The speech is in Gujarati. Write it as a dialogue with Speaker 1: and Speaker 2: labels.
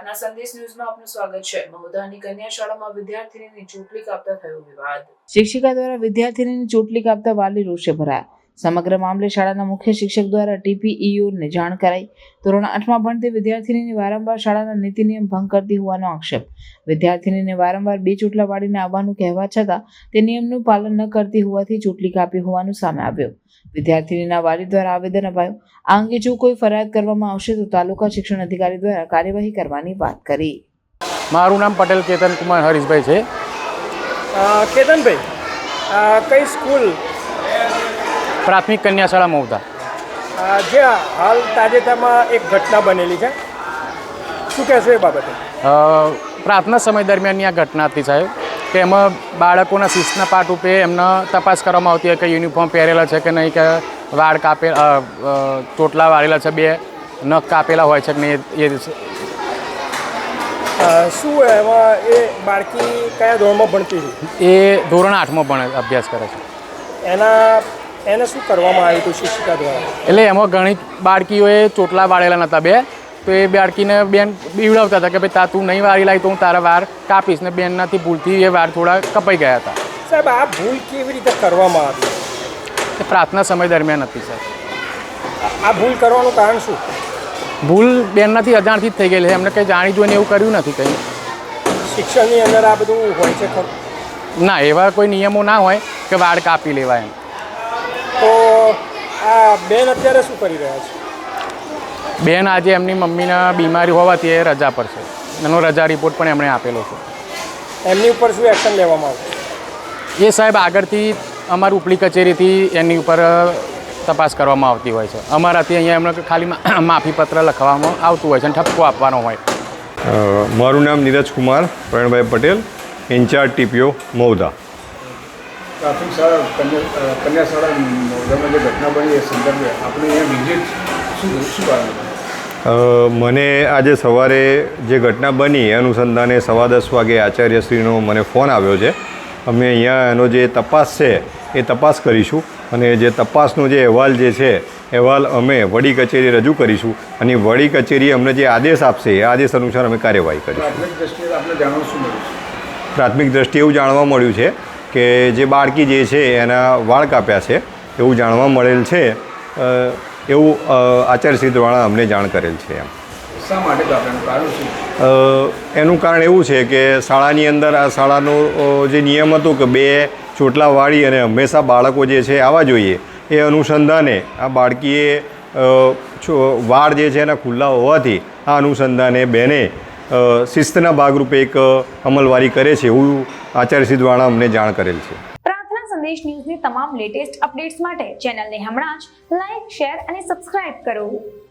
Speaker 1: પ્રાર્થના સંદેશ ન્યૂઝમાં આપનું સ્વાગત છે। મહુધાની કન્યા શાળામાં વિદ્યાર્થીનીની ચોટલી કાપતા થયો વિવાદ। શિક્ષિકા દ્વારા વિદ્યાર્થીનીની ચોટલી કાપતા વાલી રોષે ભરાયા। સમગ્ર મામલે શાળાના મુખ્ય શિક્ષક દ્વારા TPEOને જાણ કરાઈ। ધોરણ 8માં ભણતી વિદ્યાર્થીનીને વારંવાર શાળાના નીતિ નિયમ ભંગ કરતી હોવાનો આક્ષેપ। વિદ્યાર્થીનીને વારંવાર 2 ચોટલા વાળીને આવવાનું કહેવા છતાં તે નિયમનું પાલન ન કરતી હોવાથી ચોટલી કાપી હોવાનું સામે આવ્યું। વિદ્યાર્થીનીના વાલી દ્વારા આવેદન અપાયું। આ અંગે જો કોઈ ફરિયાદ કરવામાં આવશે તો તાલુકા શિક્ષણ અધિકારી દ્વારા કાર્યવાહી કરવાની વાત કરી।
Speaker 2: મારું નામ પટેલ કેતન કુમાર હરીશભાઈ છે।
Speaker 3: કેતનભાઈ, કઈ સ્કૂલ?
Speaker 2: પ્રાથમિક કન્યા શાળા મહુધા।
Speaker 3: જે હાલ તાજેતરમાં એક ઘટના બનેલી છે, શું કહેશો એ બાબતે?
Speaker 2: પ્રાર્થના સમય દરમિયાનની આ ઘટના હતી સાહેબ, કે એમાં બાળકોના શિસ્તના પાઠ રૂપે એમને તપાસ કરવામાં આવતી હોય કે યુનિફોર્મ પહેરેલા છે કે નહીં, કે વાળ ચોટલા વાળેલા છે, 2 નખ કાપેલા હોય છે કે નહીં, એ
Speaker 3: શું એમાં એ બાળકી કયા ધોરણમાં ભણતી હતી?
Speaker 2: એ ધોરણ 8માં અભ્યાસ કરે છે।
Speaker 3: એને શું કરવામાં આવ્યું હતું શિક્ષિકા દ્વારા?
Speaker 2: એટલે એમાં ઘણી બાળકીઓએ ચોટલા વાળેલા નહોતા 2, તો એ બાળકીને બેન બીવડાવતા હતા કે ભાઈ તું નહીં વાળી લાવી તો હું તારા વાળ કાપીશ, ને બેનનાથી ભૂલથી એ વાળ થોડા કપાઈ ગયા હતા।
Speaker 3: સાહેબ, આ ભૂલ કેવી રીતે કરવામાં આવી?
Speaker 2: એ પ્રાર્થના સમય દરમિયાન હતી સાહેબ।
Speaker 3: આ ભૂલ કરવાનું કારણ શું?
Speaker 2: ભૂલ બેનનાથી અજાણથી જ થઈ ગયેલી છે, એમને કંઈ જાણી જોઈને એવું કર્યું નથી કંઈ।
Speaker 3: શિક્ષણની અંદર આ બધું હોય છે ખરું?
Speaker 2: ના, એવા કોઈ નિયમો ના હોય કે વાળ કાપી લેવાય એમ।
Speaker 3: તો આ બેન અત્યારે શું કરી રહ્યા છે?
Speaker 2: બેન આજે એમની મમ્મીના બીમારી હોવાથી એ રજા પર છે, એનો રજા રિપોર્ટ પણ એમણે આપેલો છે।
Speaker 3: એમની ઉપર શું એક્શન લેવામાં આવશે?
Speaker 2: એ સાહેબ આગળથી અમારી ઉપલી કચેરીથી એની ઉપર તપાસ કરવામાં આવતી હોય છે। અમારાથી અહીંયા એમને ખાલી માફીપત્ર લખવામાં આવતું હોય છે અને ઠપકો આપવાનો હોય।
Speaker 4: મારું નામ નીરજ કુમાર પ્રવીણભાઈ પટેલ, ઇન્ચાર્જ TPO મહુધા।
Speaker 5: પ્રાથમિક શાળા કન્યા શાળા મહુધામાં જે ઘટના બની એ સંદર્ભે આપણે અહીંયા વિઝિટ શું કારણ?
Speaker 4: મને આજે સવારે જે ઘટના બની એ અનુસંધાને 10:15 વાગે આચાર્યશ્રીનો મને ફોન આવ્યો છે। અમે અહીંયા એનો જે તપાસ છે એ તપાસ કરીશું, અને જે તપાસનો જે અહેવાલ જે છે અહેવાલ અમે વડી કચેરી રજૂ કરીશું, અને વડી કચેરી અમને જે આદેશ આપશે એ આદેશ અનુસાર અમે કાર્યવાહી કરીશું।
Speaker 5: પ્રાથમિક દ્રષ્ટિએ આપણે જાણવા શું મળ્યું છે?
Speaker 4: પ્રાથમિક દ્રષ્ટિએ એવું જાણવા મળ્યું છે કે જે બાળકી જે છે એના વાળ કાપ્યા છે એવું જાણવા મળેલ છે, એવું આચાર્યશ્રી દ્વારા અમને જાણ કરેલ છે એમ।
Speaker 5: શા માટે કાપ્યાનું કારણ શું?
Speaker 4: એનું કારણ એવું છે કે શાળાની અંદર આ શાળાનો જે નિયમ હતો કે 2 ચોટલા વાળી અને હંમેશા બાળકો જે છે આવવા જોઈએ, એ અનુસંધાને આ બાળકીએ વાળ જે છે એના ખુલ્લા હોવાથી આ અનુસંધાને બેને શિસ્તના ભાગરૂપે એક અમલવારી કરે છે એવું આચાર્યશ્રી દ્વારા અમને જાણ કરેલ છે।
Speaker 6: પ્રાર્થના સંદેશ ન્યૂઝની તમામ લેટેસ્ટ અપડેટ્સ માટે ચેનલને હમણાં જ લાઈક, શેર અને સબસ્ક્રાઇબ કરો।